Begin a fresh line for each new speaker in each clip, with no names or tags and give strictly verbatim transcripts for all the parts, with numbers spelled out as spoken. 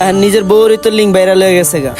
আর নিজের বউরই তো link viral হয়ে গেছে গা।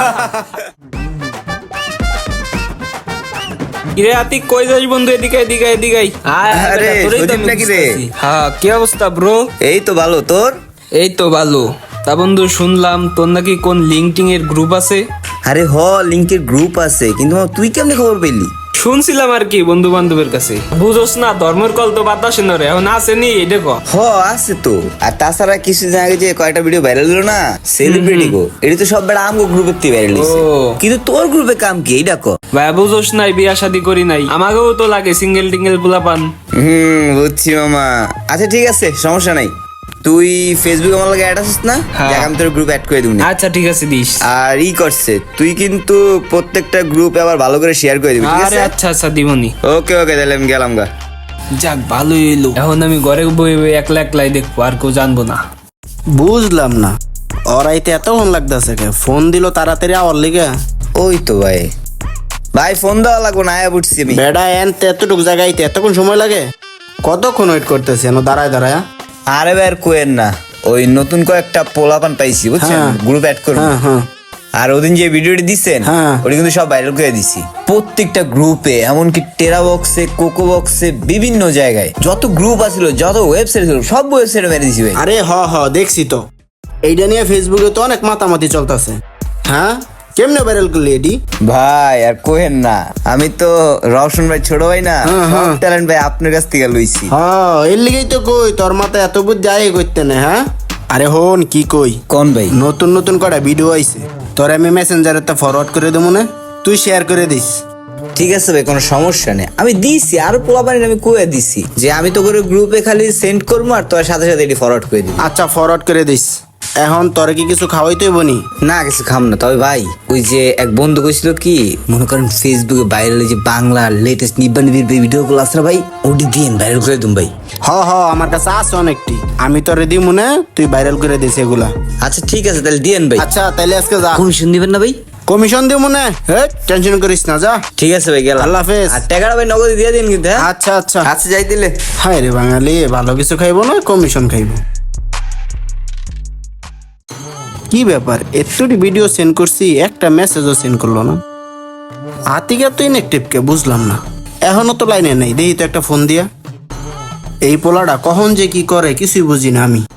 কিরে আতিক কই যাস বন্ধু? এদিকে এদিকে এদিকে আয়। আয়, আয়
আরে,
বেটা, তোরই তো
সজীব
আমি
নাকি রে?
খুঁজতেছি। হ্যাঁ, কি অবস্থা ব্রো?
এই তো ভালো, তোর?
এই তো ভালো। তা বন্ধু শুনলাম তোর নাকি কোন লিঙ্কটিং এর গ্রুপ আছে?
আরে হ, লিঙ্কের গ্রুপ আছে, কিন্তু মামা তুই কেমনে খবর পেলি?
শুনছিলাম আর কি বন্ধু বান্ধবের কাছে। বুঝোস না, ধর্মের কল তো বাতাসে না রে, এখন আসেনি এটা ক।
হ, আছে তো। আর তাছাড়া কিছুদিন আগে যে কয়েকটা ভিডিও ভাইরাল হলো না, সেলিব্রিটি গো, এটা তো সব বেড়া আমগো গ্রুপের থেকে ভাইরাল হইছে।
ও।
কিন্তু তোর গ্রুপে কাম কি এইটা ক?
ভাই বুঝোস নাই, বিয়া শাদি করি নাই, আমাকেও তো লাগে সিঙ্গেল টিঙ্গেল পোলা পান।
হুম, বুঝছি মামা। আচ্ছা ঠিক আছে, সমস্যা নাই। তুই ফেসবুক আমার লাগে অ্যাড আছিস না?
হ্যাঁ।
দেখ আমি তোর গ্রুপ অ্যাড করে দিবনি।
আচ্ছা ঠিক আছে দিস।
আর ই করছে, তুই কিন্তু প্রত্যেকটা গ্রুপে আবার ভালো করে শেয়ার করে দিবি, ঠিক
আরে
আছে?
আচ্ছা আচ্ছা দিবনি।
ওকে ওকে, তাহলে আমি গেলাম গা।
যাক ভালোই এলো, এখন আমি ঘরে বই বই একলা একলাই দেখবো, আর কেউ জানবো না।
বুঝলাম না, ওরাইতে এতক্ষণ লাগতেছে কে? ফোন দিল তাড়াতাড়ি আওয়ার লিগে।
ওই তো ভাই, ভাই ফোন দেওয়া লাগবো না, আয়া বুঝছি আমি।
বেড়া এন এতটুক জায়গাইতে এতক্ষণ সময় লাগে? কতক্ষণ ওয়েট করতেছে এন দাঁড়ায় দাঁড়ায়?
আরে ভাই আর কোয়েন না, ওই নতুন কয়েকটা পোলাপান পাইছি বুঝছেন,
হ্যাঁ।
গ্রুপ অ্যাড করবো।
হ্যাঁ হ্যাঁ
আর ওদিন যে ভিডিওটি দিচ্ছেন
হ্যাঁ।
ওটা কিন্তু সব ভাইরাল করে দিছি প্রত্যেকটা গ্রুপে, এমনকি টেরা বক্সে, কোকো বক্সে, বিভিন্ন জায়গায় যত গ্রুপ আছিল, যত ওয়েবসাইট ছিল, সব ওয়েবসাইটে মেরে দিছি ভাই।
আরে হ হ দেখছি তো, এইটা নিয়ে ফেসবুকে তো অনেক মাতামাতি চলতেছে। হ্যাঁ, কেমনে ভাইরাল করলি এটি?
ভাই আর কোহেন না, আমি তো রওশন ভাই ছোট ভাই না,
হ্যাঁ, হ্যাঁ।
ট্যালেন্ট ভাই আপনার কাছ থেকে লইছি।
হ্যাঁ, এর লিগেই তো কই তোর মাথায় এত বুঝ যায় করতে না। হ্যাঁ, আরে হন কি কই,
কোন ভাই?
নতুন নতুন কটা ভিডিও আইছে, তোর আমি মেসেঞ্জারে তা ফরওয়ার্ড করে দেবো না, তুই শেয়ার করে দিস।
ঠিক আছে ভাই, কোনো সমস্যা নেই, আমি দিছি, আরো পোলাপানি আমি কয়ে দিছি যে আমি তো করে গ্রুপে খালি সেন্ড করবো আর তোর সাথে সাথে এটি ফরওয়ার্ড করে দিবি।
আচ্ছা ফরওয়ার্ড করে দিস। এখন তোরে কি কিছু খাওয়াইতেই বনি?
না কিছু খাম না, তবে ভাই ওই যে এক বন্ধু কইছিল কি, মনে করেন ফেসবুকে ভাইরাল যে বাংলার লেটেস্ট নিব্বা নিবির ভিডিও গুলো আসলে ভাই, ওটি দিন ভাইরাল করে দিন ভাই।
হ হ আমার কাছে আছে অনেকটি, আমি তোরে দিই মনে, তুই ভাইরাল করে দিস এগুলা।
আচ্ছা ঠিক আছে, তাহলে দিয়েন ভাই।
আচ্ছা তাইলে আজকে যা,
কমিশন দিবেন না ভাই?
কমিশন দিই মনে, হ্যাঁ টেনশন করিস না, যা।
ঠিক আছে ভাই, গেলাম।
আল্লাহ হাফেজ।
আর টাকাটা ভাই নগদ দিয়ে দিন কিন্তু, হ্যাঁ?
আচ্ছা আচ্ছা
আচ্ছা যাই দিলে।
হায় রে বাঙালি, ভালো কিছু খাইবো না কমিশন খাইবো। কি ব্যাপার, এতটি ভিডিও সেন্ড করছি, একটা মেসেজও সেন্ড করলো না। আতিকা তো ইনএক্টিভ কে বুঝলাম না, এখনো তো লাইনে নেই, দেখি তো একটা ফোন দিয়া। এই পোলাটা কখন যে কি করে কিছুই বুঝি না আমি।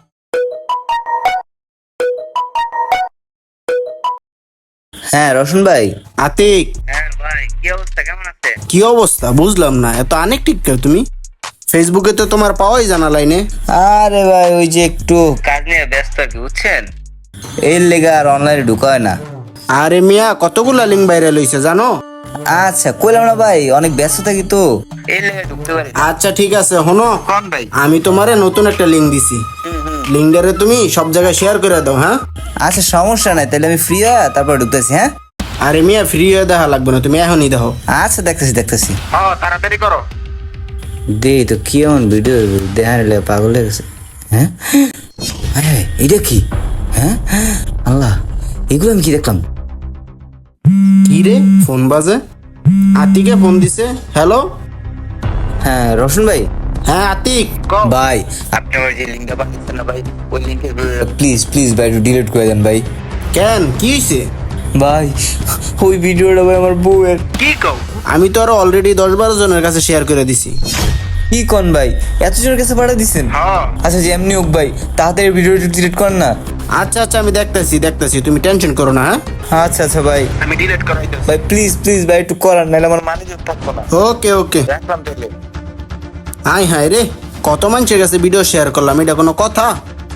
হ্যাঁ রোশন ভাই।
আতিক,
হ্যাঁ ভাই, কি অবস্থা, কেমন আছে?
কি অবস্থা বুঝলাম না, এত আনএক্টিভ কে তুমি? ফেসবুকে তো তোমার পাওয়াই জানা লাইনে।
আরে ভাই ওই যে একটু কাজ নিয়ে ব্যস্ত আর কি, বুঝছেন, এর লেগে আর অনলাইনে ঢুকা হয় না।
আরে মিয়া, কতগুলা লিঙ্ক ভাইরাল হইছে জানো?
আচ্ছা কইলাম না ভাই, অনেক ব্যস্ত থাকি তো, এর লেগে ঢুকতে পারি না।
আচ্ছা ঠিক আছে, হনো
কোন ভাই?
আমি তোমারে নতুন একটা লিঙ্ক দিছি, লিঙ্কটারে তুমি সব জায়গায় শেয়ার করে দাও। হ্যাঁ
আচ্ছা সমস্যা নাই, তাহলে আমি ফ্রি হয়ে তারপর ঢুকতেছি। হ্যাঁ
আরে মিয়া, ফ্রি হয়ে দেখা লাগবে না, তুমি এখনই দেখো।
আচ্ছা দেখতেছি দেখতেছি।
তাড়াতাড়ি করো।
দে তো কি এমন ভিডিও দেখার লেগে পাগল হয়ে গেছে। হ্যাঁ হ্যাঁ, এটা কি? হ্যাঁ আল্লাহ, এগুলো আমি কি দেখলাম?
কি রে, ফোন বাজে, আতিকে ফোন দিছে। হ্যালো,
হ্যাঁ রোশন ভাই।
হ্যাঁ আতিক।
ভাই আপনি আমার যে লিঙ্কটা পাঠিয়েছেন না ভাই, ওই লিঙ্কের প্লিজ প্লিজ ভাই একটু ডিলিট করে দেন ভাই।
কেন, কি হয়েছে?
ভাই ওই ভিডিওটা ভাই আমার বউয়ের।
কি কও? আমি তো আরো অলরেডি দশ বারো জনের কাছে শেয়ার করে দিছি।
কি কোন ভাই, এত জনের কাছে পাঠিয়ে দিচ্ছেন? আচ্ছা যে এমনি হোক ভাই, তাড়াতাড়ি ভিডিওটা ডিলিট করেন না।
আচ্ছা আচ্ছা আমি দেখতেছি দেখতেছি, তুমি টেনশন করো না। হ্যাঁ
আচ্ছা আচ্ছা ভাই,
আমি ডিলিট করাই দিচ্ছি।
ভাই প্লিজ প্লিজ ভাই একটু করান, নাহলে আমার মানে থাকবো না।
ওকে ওকে,
রাখলাম তাহলে।
হাই হাই রে, কত মানুষের কাছে ভিডিও শেয়ার করলাম, এটা কোনো কথা?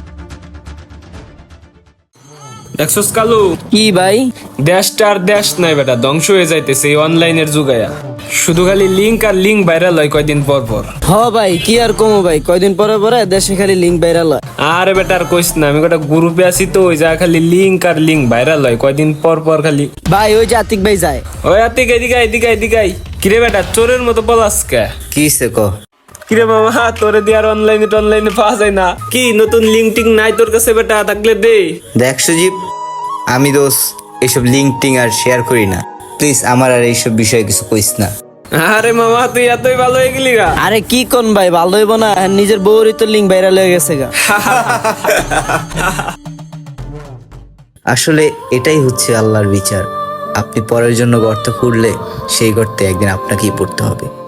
দেখছস কালু,
কি ভাই?
দেশটা আর দেশ নাই বেটা, ধ্বংস হয়ে যাইতেছে এই অনলাইনের যুগায়া। শুধু খালি লিঙ্ক আর লিঙ্ক ভাইরাল হয় কয়দিন পর পর।
হ ভাই, কি আর কমো ভাই, কয়দিন পরে পরে দেশে খালি লিঙ্ক ভাইরাল হয়।
আরে বেটা আর কইস না, আমি কটা গ্রুপে আছি তো, ওই যা খালি লিঙ্ক আর লিঙ্ক ভাইরাল হয় কয়দিন পর পর খালি।
ভাই ওই যে আতিক ভাই যায়।
ওই আতিক এদিকে আয়, এদিকে আয়, এদিকে আয়। কিরে বেটা চোরের মতো পলাস কে?
কি সে ক?
কিরে মামা, তোরে দিয়ে আর অনলাইনে টনলাইনে পাওয়া যায় না কি? নতুন লিঙ্ক টিং নাই তোর কাছে বেটা? থাকলে দে।
দেখ সুজীব, আমি দোষ এইসব লিঙ্ক টিং আর শেয়ার করি না, প্লিজ আমার আর এইসব বিষয়ে কিছু কইস না।
আরে মামা তুই এতই ভালো হয়ে গেলি গা।
আরে কি কোন ভাই, ভালো হইব না? আর নিজের বউরই তো লিঙ্ক ভাইরাল হয়ে গেছে গা।
আসলে এটাই হচ্ছে আল্লাহর বিচার। আপনি পরের জন্য গর্ত খুঁড়লে সেই গর্তে একদিন আপনাকেই পড়তে হবে।